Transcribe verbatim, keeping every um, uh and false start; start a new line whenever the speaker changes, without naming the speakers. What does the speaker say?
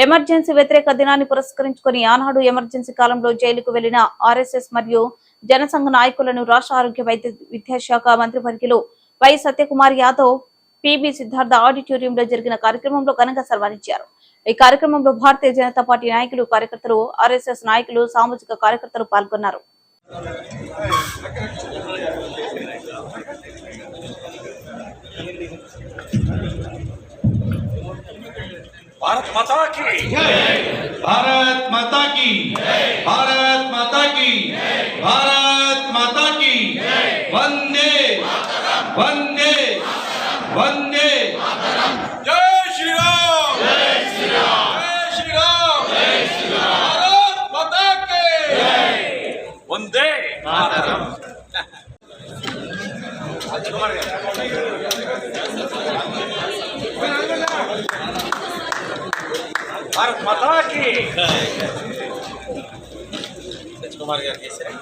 Emergency వ్యతిరేక దినాన్ని పురస్కరించుకుని ఆనాడు ఎమర్జెన్సీ కాలంలో జైలుకు వెళ్లిన ఆర్ఎస్ఎస్ మరియు జనసంఘ నాయకులను రాష్ట్ర ఆరోగ్య వైద్య విద్యాశాఖ మంత్రివర్యులు వై సత్యకుమార్ యాదవ్ పీబీ సిద్ధార్థ ఆడిటోరియంలో జరిగిన కార్యక్రమంలో ఘనంగా సన్మానించారు। ఈ కార్యక్రమంలో భారతీయ జనతా పార్టీ నాయకులు కార్యకర్తలు ఆర్ఎస్ఎస్ నాయకులు సామాజిక కార్యకర్తలు పాల్గొన్నారు।
भारत माता की
भारत माता की भारत माता की भारत माता की वंदे वंदे वंदे
जय श्री राम जय श्री राम जय श्री राम जय श्री राम भारत माता की वंदे मातरम। भारत माता की कुमार गाరు చేశారు।